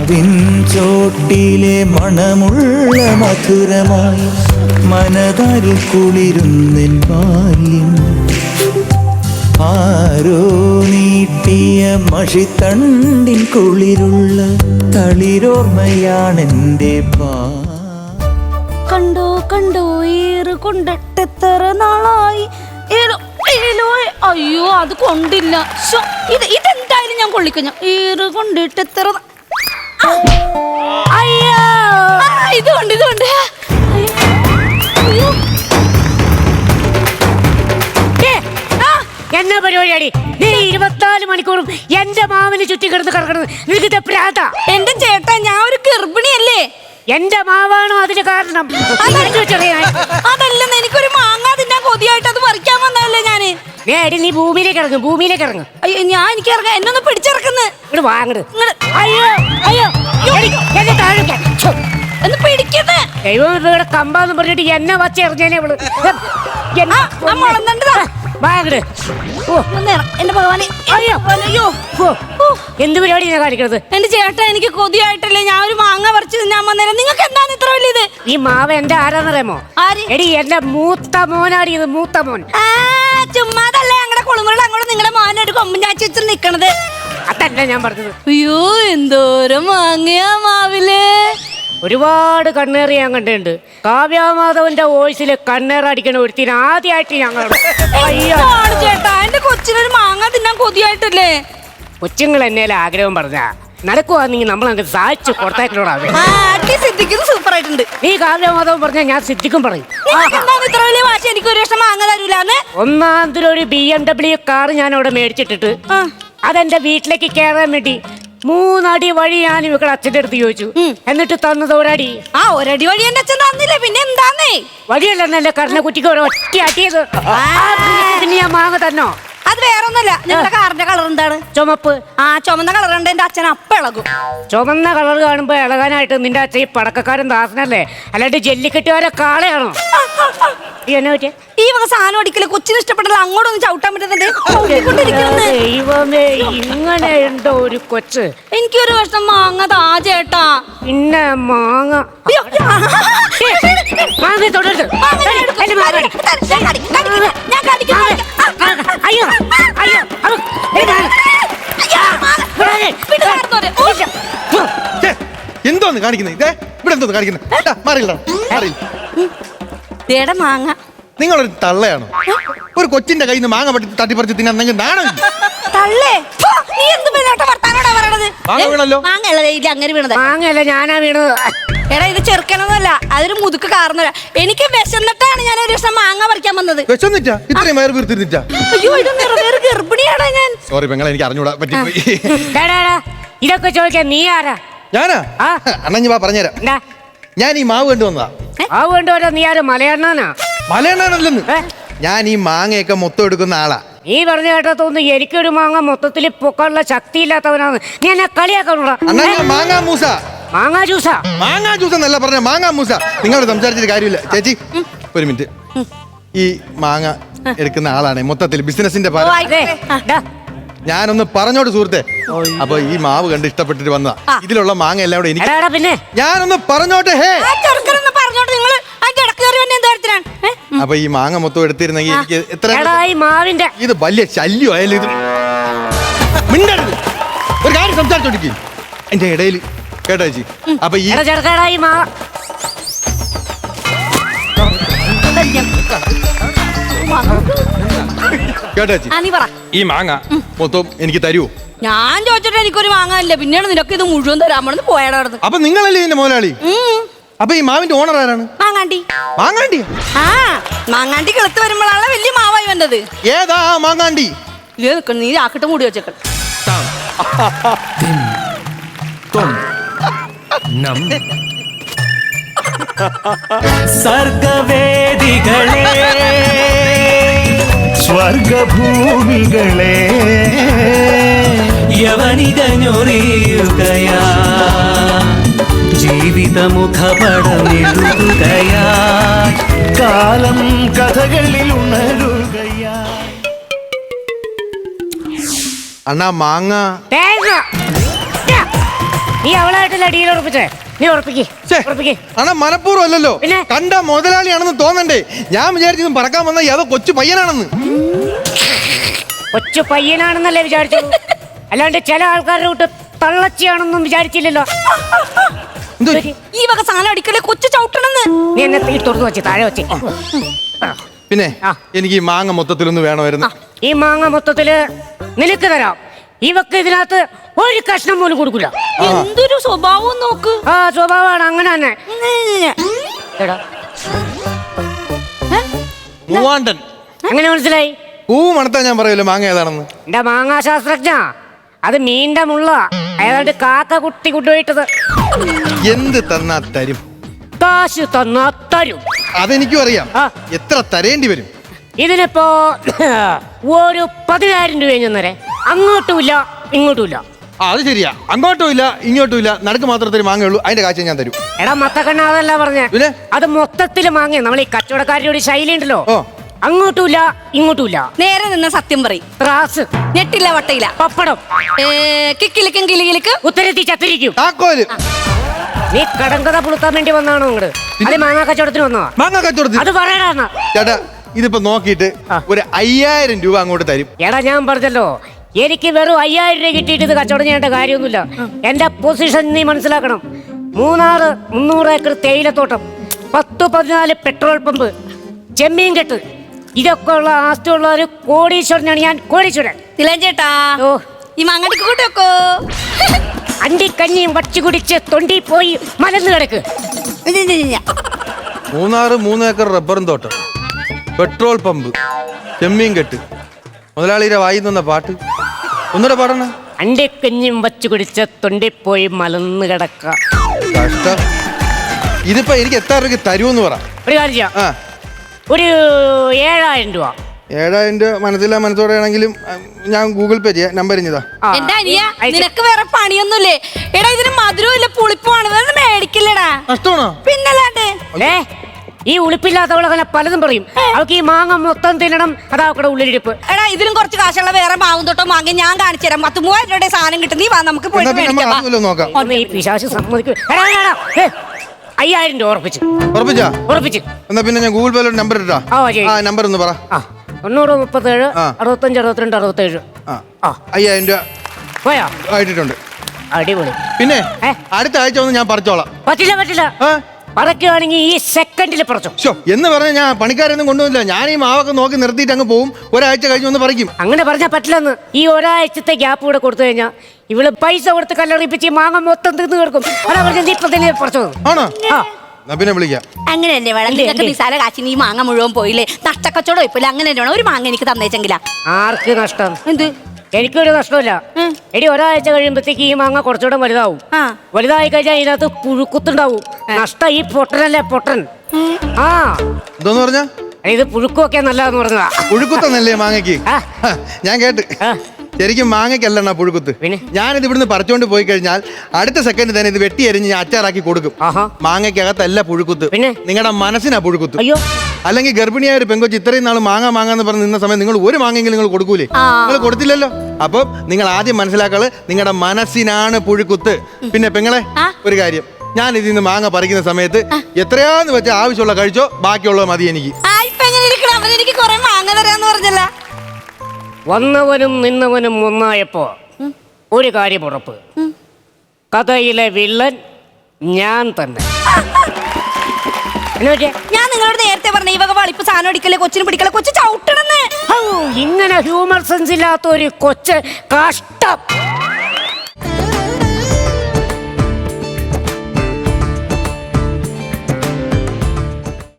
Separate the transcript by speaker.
Speaker 1: മാവിൻ ചോട്ടിലെ മണമുള്ള മധുരമായി മനതാരിൽ കുളിരുന്നെൻ ബാല്യം. ആരോ നീട്ടിയ മഷിത്തണ്ടിൻ കുളിരുള്ള തളിരോർമ്മയാണെന്റെ
Speaker 2: കണ്ടോ കണ്ടോ ഏറ് കൊണ്ടിട്ടെത്ര നാളായി. അയ്യോ അത് കൊണ്ടില്ല. ഇതെന്തായാലും ഞാൻ കൊള്ളിക്കഞ്ഞു. ഏറ് കൊണ്ടിട്ടെത്ര അയ്യോ ഇതുകൊണ്ട്
Speaker 3: എന്നാ പരിപാടിയാടി നീ 24 മണിക്കൂറും എന്റെ മാവിന് ചുറ്റി കിടന്ന് കിടക്കുന്നത്? നിനക്ക് പ്രാന്താ?
Speaker 2: എന്റെ ചേട്ടാ ഞാൻ ഒരു ഗർഭിണിയല്ലേ.
Speaker 3: എന്റെ മാവാണോ അതിന് കാരണം?
Speaker 2: അതല്ലെന്ന് എനിക്കൊരു മാങ്ങ തിന്നാൻ കൊതിയായിട്ട് അത് പറിക്കാൻ വന്നതല്ലേ ഞാന്.
Speaker 3: നീ ഭൂമിയിലേക്ക് ഇറങ്ങും.
Speaker 2: അയ്യോ ഞാൻ എനിക്ക് ഇറങ്ങാം. എന്നൊന്ന് പിടിച്ചിറക്കുന്നു.
Speaker 3: വാങ്ങട്. അയ്യോ അയ്യോ എന്നെ താഴെ
Speaker 2: ഒന്ന് പിടിക്കുന്നേ.
Speaker 3: ദൈവം ഇവിടെ കമ്പാന്ന് പറഞ്ഞിട്ട് എന്നെ വച്ച് എറിഞ്ഞേനെ ഇവള്. വാങ്ങട്.
Speaker 2: എന്റെ ഭഗവാനെ അയ്യോ
Speaker 3: എന്ത് പരിപാടിയാണ് കാണിക്കുന്നത്?
Speaker 2: എന്റെ ചേട്ടാ എനിക്ക് കൊതിയായിട്ടല്ലേ ഞാൻ ഒരു മാങ്ങ പറിച്ച് തിന്നാൻ വന്നേരം. നിങ്ങൾക്ക് എന്താണ് ഇത്ര വലിയത്?
Speaker 3: ഈ മാവ് എന്റെ ആരാന്നറിയാമോ? എടി എന്റെ മൂത്ത മോനാടി. ഇത് മൂത്ത മോൻ.
Speaker 2: ചുമ്മാതല്ലേ ഞങ്ങളുടെ കുളിമുറിൽ അങ്ങോട്ട് നിങ്ങളുടെ മോനായിട്ട് കൊമ്പൻ ചാച്ചി വെച്ച് നിക്കണത്.
Speaker 3: അതല്ല ഞാൻ പറഞ്ഞത്.
Speaker 2: അയ്യോ എന്തോരം മാങ്ങയാ മാവില്.
Speaker 3: ഒരുപാട് കണ്ണേറ് ഞാൻ കണ്ടിട്ടുണ്ട്. കാവ്യാമാധവന്റെ വോയിസില് കണ്ണേറടിക്കണ ഒരുത്തിന് ആദ്യമായിട്ട് ഞങ്ങൾ.
Speaker 2: ചേട്ടാ എന്റെ കൊച്ചിനൊരു മാങ്ങ തിന്നാൻ കൊതിയായിട്ടല്ലേ.
Speaker 3: കൊച്ചുങ്ങൾ എന്നേലും ആഗ്രഹം പറഞ്ഞ നടക്കുവാണെങ്കിൽ നമ്മൾ അങ്ങ് സാധിച്ചു കൊടുത്തേക്കണോടാ.
Speaker 2: സൂപ്പർ ആയിട്ടുണ്ട്.
Speaker 3: നീ കാവ്യാമാധവൻ പറഞ്ഞാൽ ഞാൻ സിദ്ധിക്കും പറയും.
Speaker 2: ഇത്ര വലിയ വാശി എനിക്ക് ഒരു വർഷം മാങ്ങ തരൂലെന്ന്.
Speaker 3: ഒന്നാമതൊരു BMW കാർ ഞാൻ അവിടെ മേടിച്ചിട്ടിട്ട് അതെന്റെ വീട്ടിലേക്ക് കയറാൻ വേണ്ടി 3 അടി വഴി ഞാൻ ഇവിടെ അച്ഛൻ്റെ അടുത്ത് ചോദിച്ചു. എന്നിട്ട് തന്നത് ഒരടി.
Speaker 2: ഒരടി വഴി എന്റെ അച്ഛൻ തന്നില്ലേ. പിന്നെ എന്താന്നേ
Speaker 3: വഴിയല്ലെന്നല്ലേ കറിനെ കുറ്റിക്ക് ഒറ്റ അടിയത്. പിന്നെ ഞാൻ മാങ്ങ തന്നോ?
Speaker 2: അത് വേറൊന്നുമല്ല. നിങ്ങളുടെ കാറിന്റെ കളർ എന്താണ്?
Speaker 3: ചുമപ്പ്.
Speaker 2: ചുമന്ന കളർ ഉണ്ട്. എന്റെ അച്ഛൻ അപ്പ ഇളകും.
Speaker 3: ചുമന്ന കളർ കാണുമ്പോ ഇളകാനായിട്ട് നിന്റെ അച്ഛൻ ഈ പടക്കക്കാരൻ ദാസനല്ലേ, അല്ലാണ്ട് ജല്ലിക്കെട്ടുകാരെ കാളയാണോ?
Speaker 2: ഈ വക സാധനം അടിക്കല് കൊച്ചിന് ഇഷ്ടപ്പെട്ടില്ല. അങ്ങോട്ടൊന്നും ചവിട്ടാൻ പറ്റുന്നുണ്ട്.
Speaker 3: ദൈവമേ ഇങ്ങനെ ഉണ്ടോ ഒരു കൊച്ച്.
Speaker 2: എനിക്കൊരു വർഷം മാങ്ങ താ ചേട്ടാ.
Speaker 3: പിന്നെ മാങ്ങ തൊടരുത്. അയ്യോ അയ്യോ
Speaker 4: എന്തോന്ന് കാണിക്കുന്നത്? ഇതേ ഇവിടെ എന്തോന്ന് കാണിക്കുന്നത്?
Speaker 2: മാങ്ങ
Speaker 4: നിങ്ങളൊരു തള്ളയാണോ? ഒരു കൊച്ചിന്റെ കയ്യിൽ നിന്ന് മാങ്ങ തട്ടിപ്പറിച്ച് തിന്നാൻ നിങ്ങൾ നാണോ?
Speaker 3: മാങ്ങയല്ല ഞാനാ വീണത്.
Speaker 2: എടാ ഇത് ചെറുക്കണമെന്നല്ല, അതൊരു മുതുക്ക് കാരണല്ല. എനിക്ക് വിശന്നിട്ടാണ് ഞാൻ ഒരു ദിവസം മാങ്ങ പറിക്കാൻ വന്നത്.
Speaker 4: വിശന്നിട്ടാ? ഇത്രയും വയറ് വീർത്തിരുന്നിട്ടാ?
Speaker 2: അയ്യോ ഇത് നിറവേറ് ഗർഭിണിയാടാ ഞാൻ.
Speaker 4: സോറി പെങ്ങളെ, എനിക്ക് അറിഞ്ഞൂടാ പറ്റിപ്പോയി.
Speaker 3: ഇതൊക്കെ ചോദിക്കാൻ നീ ആരാ?
Speaker 4: ഞാനാ? അണ്ണഞ്ഞു വാ പറഞ്ഞുതരാം. ഞാൻ ഈ മാവ് കൊണ്ടുവന്നതാ.
Speaker 3: മാവ് കൊണ്ടുവരാ? നീ ആരും മലയണ്ണാനാ?
Speaker 4: മലയണ്ണാനല്ലെന്ന്. ഞാൻ ഈ മാങ്ങയൊക്കെ മൊത്തം എടുക്കുന്ന ആളാ.
Speaker 3: നീ പറഞ്ഞു കേട്ടാ തോന്നുന്നു എനിക്കൊരു മാങ്ങ മൊത്തത്തിൽ പൊക്കാനുള്ള ശക്തി ഇല്ലാത്തവനാണ്. നീ എന്നെ കളിയാക്കണോടാ.
Speaker 4: മാങ്ങാ മൂസ.
Speaker 3: മാങ്ങാ ജ്യൂസാ?
Speaker 4: മാങ്ങാ ജ്യൂസ് എന്നല്ല പറഞ്ഞ, മാങ്ങാ മൂസ. നിങ്ങളോട് സംസാരിച്ചിട്ട് കാര്യമില്ല. ചേച്ചി ഒരു മിനിറ്റ്. ഈ മാങ്ങ എടുക്കുന്ന ആളാണ് മൊത്തത്തിൽ ബിസിനസിന്റെ ഭാഗം. ഞാനൊന്ന് പറഞ്ഞോട്ട് സുഹൃത്തെ. അപ്പൊ ഈ മാവ് കണ്ട് ഇഷ്ടപ്പെട്ടിട്ട് വന്നതാ. ഇതിലുള്ള മാങ്ങ എല്ലാം കൂടെ എനിക്ക്.
Speaker 3: പിന്നെ
Speaker 4: ഞാനൊന്ന് പറഞ്ഞോട്ടെ. അപ്പൊ ഈ മാങ്ങ മൊത്തം എടുത്തിരുന്നെങ്കിൽ എനിക്ക് എത്ര ഇത് വലിയ ശല്യമായാലും ഇത് മിണ്ടരുത്. ഒരു കാര്യം സംസാരിച്ചോണ്ടിരിക്കും എന്റെ ഇടയിൽ കേട്ടോ ചേച്ചി. അപ്പൊ ഈ കേട്ടോ ചേച്ചി, ഈ മാങ്ങ മൊത്തം എനിക്ക് തരുമോ?
Speaker 2: ഞാൻ ചോദിച്ചിട്ട് എനിക്കൊരു മാങ്ങ ഇല്ല. പിന്നീട് നിനക്ക് ഇത് മുഴുവൻ തരാമെന്ന് പോയാടാ.
Speaker 4: അപ്പൊ നിങ്ങളല്ലേ ഇതിന്റെ മുതലാളി? അപ്പൊ ഈ മാവിന്റെ ഓണർ ആരാണ്?
Speaker 2: മാങ്ങാണ്ടി.
Speaker 4: മാങ്ങാണ്ടി?
Speaker 2: മാങ്ങാണ്ടി കിളത്ത് വരുമ്പോഴാണ് വലിയ മാവായി വന്നത്.
Speaker 4: ഏതാ മാങ്ങാണ്ടി?
Speaker 2: നീ ആക്കിട്ട് മൂടി വെച്ചേക്ക.
Speaker 1: സർഗവേദികളെ സ്വർഗഭൂമികളെ യവനികഞ്ഞൊറിയുകയാ ജീവിതമുഖപടമെഴുതുകയാ കാലം കഥകളിൽ ഉണരുകയാ.
Speaker 4: അണ്ണാ മാങ്ങ
Speaker 3: നീ അവളായിട്ടല്ല ഡീൽ ഉറപ്പിച്ചേ. നീ ഉറപ്പിക്ക്.
Speaker 4: അണ മനഃപൂർവ്വം അല്ലല്ലോ,
Speaker 3: പിന്നെ?
Speaker 4: കണ്ട മുതലാളിയാണെന്ന് തോന്നണ്ടേ. ഞാൻ വിചാരിച്ചതും പറക്കാൻ വന്ന ഏതോ കൊച്ചു പയ്യനാണെന്ന്.
Speaker 3: കൊച്ചു പയ്യനാണെന്നല്ലേ വിചാരിച്ചത്, അല്ലാണ്ട് ചില ആൾക്കാരുടെ കൂട്ട് തള്ളച്ചിയാണെന്നും വിചാരിച്ചില്ലല്ലോ.
Speaker 2: ഈ വക സാധനം അടിക്കലേ കൊച്ചു ചവിട്ടണെന്ന്.
Speaker 3: നീ എന്നെ തീ തുറന്നു വെച്ച് താഴെ വെച്ച്.
Speaker 4: പിന്നെ
Speaker 3: ആ.
Speaker 4: എനിക്ക് ഈ മാങ്ങ മൊത്തത്തിലൊന്ന് വേണമായിരുന്നു.
Speaker 3: ഈ മാങ്ങ മൊത്തത്തില് നിനക്ക് തരാം. ഇവക്ക് ഇതിനകത്ത് ഒരു കഷ്ണം പോലും കൊടുക്കില്ല.
Speaker 2: എന്തൊരു സ്വഭാവം നോക്ക്.
Speaker 3: ആ സ്വഭാവമാണ് അങ്ങനെ തന്നെ. എടാ,
Speaker 4: മൂവാണ്ടൻ
Speaker 3: എങ്ങനെ മനസ്സിലായി?
Speaker 4: പൂ മണത്താ ഞാൻ പറയല്ലോ മാങ്ങ ഏതാണെന്ന്.
Speaker 3: എന്റെ മാങ്ങാ ശാസ്ത്രജ്ഞ, അത് മീന്റെ മുള്ള ഏതാണ്ട് കാക്ക കുട്ടി കൊണ്ടുപോയിട്ടത്.
Speaker 4: എന്ത് തന്നാ തരും?
Speaker 3: കാശ് തന്നാ തരും.
Speaker 4: അതെനിക്കും അറിയാം.
Speaker 3: ആ.
Speaker 4: എത്ര തരേണ്ടി വരും?
Speaker 3: ഇതിനിപ്പോ ഒരു 10,000 രൂപ ചെന്നേരെ. അങ്ങോട്ടുമില്ല ഇങ്ങോട്ടുമില്ല.
Speaker 4: അത് ശരിയാ, അങ്ങോട്ടും ഇല്ല ഇങ്ങോട്ടും ഇല്ല, നടുക്ക് മാത്രത്തിൽ മാങ്ങയുള്ളൂ. അതിന്റെ കാഴ്ച ഞാൻ തരും.
Speaker 3: എടാ മത്തക്കണ്ണ, അതല്ല പറഞ്ഞേ.
Speaker 4: പിന്നെ?
Speaker 3: അത് മൊത്തത്തില് മാങ്ങ. നമ്മൾ ഈ കച്ചവടക്കാരുടെ ഒരു ശൈലി ഉണ്ടല്ലോ,
Speaker 4: ഓ.
Speaker 3: അങ്ങോട്ടുമില്ല ഇങ്ങോട്ടുമില്ല.
Speaker 2: നേരെ നിന്ന് സത്യം പറയും.
Speaker 3: ത്രാസ്,
Speaker 2: ഞെട്ടില്ല വട്ടയില്ല.
Speaker 3: പപ്പടം,
Speaker 2: കിക്കിലിക്കും കിളികിലിക്ക്
Speaker 3: ഉത്തരത്തി ചത്തിരിക്കും.
Speaker 4: താക്കോല്.
Speaker 3: നീ കടങ്കഥ പുളുത്താൻ വേണ്ടി വന്നാണോ ഇങ്ങോട്ട്? അത് മാങ്ങാ കച്ചവടത്തിന് വന്നതാ.
Speaker 4: മാങ്ങ കച്ചവടത്തിൽ
Speaker 3: അത് പറയടാ.
Speaker 4: ചേട്ടാ ഇതിപ്പോ നോക്കിയിട്ട് ഒരു 5,000 രൂപ അങ്ങോട്ട് തരും.
Speaker 3: എടാ ഞാൻ പറഞ്ഞല്ലോ, എനിക്ക് വെറും 5,000 രൂപ കിട്ടിയിട്ട് ഇത് കച്ചവടം ചെയ്യേണ്ട കാര്യമൊന്നുമില്ല. എന്റെ പൊസിഷൻ നീ മനസ്സിലാക്കണം. 300 ഏക്കർ തേയിലത്തോട്ടം, 10-14 പെട്രോൾ പമ്പ്, ചെമ്മീൻ കെട്ട്, ഇതൊക്കെ ഉള്ള ആസ്തിയുള്ള ഒരു കോടീശ്വരനാണ് ഞാൻ. കോടീശ്വരൻ.
Speaker 2: ചേട്ടാ
Speaker 3: ഓ,
Speaker 2: ഈ മാങ്ങടിക്ക് കൂട്ടൊക്കോ.
Speaker 3: അണ്ടിക്കഞ്ഞിയും വച്ചു കുടിച്ച് തൊണ്ടി പോയി മലന്ന് കിടക്ക്.
Speaker 4: 3 ഏക്കർ റബ്ബറും തോട്ടം, പെട്രോൾ പമ്പ്, ചെമ്മീൻ കെട്ട്, മുതലാളിയുടെ വായി നിന്ന പാട്ട് ഒന്നുകൂടെ പാടണ.
Speaker 3: അണ്ടിക്കഞ്ഞിയും വച്ചു കുടിച്ച് തൊണ്ടി പോയി മലന്ന് കിടക്ക.
Speaker 4: കഷ്ടം. ഇതിപ്പോ എനിക്ക് എത്ര രൂപയ്ക്ക് തരുമെന്ന് പറ.
Speaker 3: ഒരു കാര്യം ചെയ്യാം.
Speaker 4: ആ,
Speaker 3: ഒരു 7,000 രൂപ.
Speaker 4: 7,000 രൂപ മനസ്സിലാ മനസ്സോടെ ആണെങ്കിലും ഞാൻ ഗൂഗിൾ പേ ചെയ്യാം. നമ്പർ ഇഞ്ഞതാ.
Speaker 3: ആ,
Speaker 2: എന്റെ അനിയ,
Speaker 3: അയച്ച്.
Speaker 2: നിനക്ക് വേറെ പണിയൊന്നുമില്ലേ? എടാ ഇതിന് മധുരവും ഇല്ല പുളിപ്പുമാണ്, വേറെ മേടിക്കില്ലടാ.
Speaker 4: നഷ്ടമാണോ?
Speaker 2: പിന്നല്ലാണ്ട്.
Speaker 3: ഈ ഉളിപ്പില്ലാത്തവളങ്ങനെ പലതും പറയും. അവൾക്ക് ഈ മാങ്ങ മൊത്തം തിന്നണം, അതാ അവക്കടെ ഉള്ളിലിരിപ്പ്.
Speaker 2: എടാ ഇതിലും കുറച്ച് കാശുള്ള വേറെ മാവും തൊട്ടോ വാങ്ങി ഞാൻ കാണിച്ചു തരാം. 10,000 രൂപയുടെ സാധനം കിട്ടും. നീ വാ, നമുക്ക്
Speaker 4: എന്നാ
Speaker 2: പോയിട്ട്
Speaker 4: പിന്നെ നമ്മൾ
Speaker 2: മേടിക്കാം.
Speaker 4: അതുമല്ലോ നോക്കാം.
Speaker 3: ഒന്ന് ഈ പിശാച് സമ്മതിക്കും. 5,000 രൂപ ഉറപ്പിച്ചു.
Speaker 4: ഉറപ്പിച്ചാ?
Speaker 3: ഉറപ്പിച്ചു.
Speaker 4: എന്നാ പിന്നെ ഞാൻ ഗൂഗിൾ പേയിലോട്ട് നമ്പർ ഇട്ടാ.
Speaker 3: ആ, ശരി.
Speaker 4: ആ നമ്പർ ഒന്ന് പറ.
Speaker 3: 9037
Speaker 4: ആ.
Speaker 3: 65 62 67.
Speaker 4: ആ,
Speaker 3: ആ.
Speaker 4: 5,000 രൂപ
Speaker 3: പോയാ?
Speaker 4: ആയിട്ടുണ്ട്.
Speaker 3: അടിപൊളി.
Speaker 4: പിന്നെ
Speaker 3: ഏ?
Speaker 4: അടുത്ത ആഴ്ച ഒന്ന് ഞാൻ പറിച്ചോളാം.
Speaker 3: പറ്റില്ല.
Speaker 4: ആ?
Speaker 3: പറക്കുകയാണെങ്കിൽ ഈ സെക്കൻഡിൽ പറിച്ചോ.
Speaker 4: ശോ, എന്ന് പറഞ്ഞ ഞാൻ പണിക്കാരൊന്നും കൊണ്ടുവന്നില്ല. ഞാൻ ഈ മാവൊക്കെ നോക്കി നിർത്തിയിട്ട് അങ്ങ് പോവും. ഒരാഴ്ച കഴിഞ്ഞ് ഒന്ന് പറിക്കും.
Speaker 3: അങ്ങനെ പറഞ്ഞാൽ പറ്റില്ലെന്ന്. ഈ ഒരാഴ്ചത്തെ ഗ്യാപ്പ് കൂടെ കൊടുത്തു കഴിഞ്ഞാൽ ഇവള് പൈസ കൊടുത്ത് കല്ലറിയിപ്പിച്ച് ഈ മാങ്ങ മൊത്തം തിന്ന് കിടക്കും. അതാ പറഞ്ഞ നീ ഇപ്പൊ തന്നെ പറിച്ചോ.
Speaker 4: ആണോ?
Speaker 3: ആ,
Speaker 4: എന്നാ പിന്നെ വിളിക്കാം.
Speaker 2: അങ്ങനെ തന്നെ വേണം.
Speaker 3: ഇല്ലേ,
Speaker 2: നിനക്ക്
Speaker 3: ഇല്ലേ.
Speaker 2: നിസാര കാശിന് ഈ മാങ്ങ മുഴുവൻ പോയില്ലേ? നഷ്ടക്കച്ചവടം ഇപ്പില്ല. അങ്ങനെ തന്നെ വേണം. ഒരു മാങ്ങ എനിക്ക് തന്നേച്ചെങ്കിലാ.
Speaker 3: ആർക്ക് നഷ്ടം?
Speaker 2: എന്ത്?
Speaker 3: എനിക്കൊരു നഷ്ടമില്ല. എടി ഒരാഴ്ച കഴിയുമ്പോഴത്തേക്ക് ഈ മാങ്ങ കുറച്ചുകൂടെ വലുതാവും.
Speaker 2: ആ.
Speaker 3: വലുതായി കഴിഞ്ഞാൽ ഇതിനകത്ത് പുഴുക്കുത്തുണ്ടാവും. നഷ്ടം ഈ പൊട്ടനല്ലേ പൊട്ടൻ. ആ,
Speaker 4: എന്തോന്ന് പറഞ്ഞ?
Speaker 3: ഇത് പുഴുക്കുമൊക്കെ നല്ലതെന്ന് പറഞ്ഞതാ.
Speaker 4: പുഴുക്കുത്തന്നല്ലേ മാങ്ങയ്ക്ക്?
Speaker 3: ആ.
Speaker 4: ഞാൻ കേട്ട്.
Speaker 3: ആ.
Speaker 4: ശരിക്കും മാങ്ങയ്ക്കല്ലണ്ണ പുഴുക്കുത്ത്.
Speaker 3: പിന്നെ?
Speaker 4: ഞാനിത് ഇവിടുന്ന് പറിച്ചോണ്ട് പോയി കഴിഞ്ഞാൽ അടുത്ത സെക്കൻഡ് തന്നെ ഇത് വെട്ടി എരിഞ്ഞ് ഞാൻ അച്ചാറാക്കി കൊടുക്കും.
Speaker 3: ആഹാ.
Speaker 4: മാങ്ങയ്ക്കകത്തല്ല പുഴുക്കുത്ത്,
Speaker 3: പിന്നെ?
Speaker 4: നിങ്ങളുടെ മനസ്സിനാ പുഴുക്കുത്ത്.
Speaker 3: അയ്യോ,
Speaker 4: അല്ലെങ്കിൽ ഗർഭിണിയായ ഒരു പെങ്കൊച്ച് ഇത്രയും നാൾ മാങ്ങാന്ന് പറഞ്ഞ് നിന്ന സമയം നിങ്ങൾ ഒരു മാങ്ങെങ്കിലും നിങ്ങൾ കൊടുക്കൂലേ? നിങ്ങൾ കൊടുത്തില്ലല്ലോ. അപ്പം നിങ്ങൾ ആദ്യം മനസ്സിലാക്കള് നിങ്ങളുടെ മനസ്സിനാണ് പുഴുക്കുത്ത്. പിന്നെ പെങ്ങളെ ഒരു കാര്യം, ഞാൻ ഇതിൽ നിന്ന് മാങ്ങ പറിക്കുന്ന സമയത്ത് എത്രയാന്ന് വെച്ചാൽ ആവശ്യമുള്ള കഴിച്ചോ, ബാക്കിയുള്ളത് മതി എനിക്ക്.
Speaker 2: എനിക്ക് കുറെ മാങ്ങ തരാന്ന് പറഞ്ഞല്ല.
Speaker 3: വന്നവനും നിന്നവനും ഒന്നായപ്പോ ഒരു കാര്യം ഉറപ്പ്, കഥയിലെ വില്ലൻ ഞാൻ തന്നെ.
Speaker 2: ഞാൻ നിങ്ങളോട് നേരത്തെ പറഞ്ഞ ഈ വക വളിപ്പ് സാധനം അടിക്കല്ലേ, കൊച്ചിന് പിടിക്കല്ലേ, കൊച്ചു ചവിട്ടണെന്ന്.
Speaker 3: ഇങ്ങനെ ഹ്യൂമർ സെൻസ് ഇല്ലാത്ത ഒരു കൊച്ച് കഷ്ടം.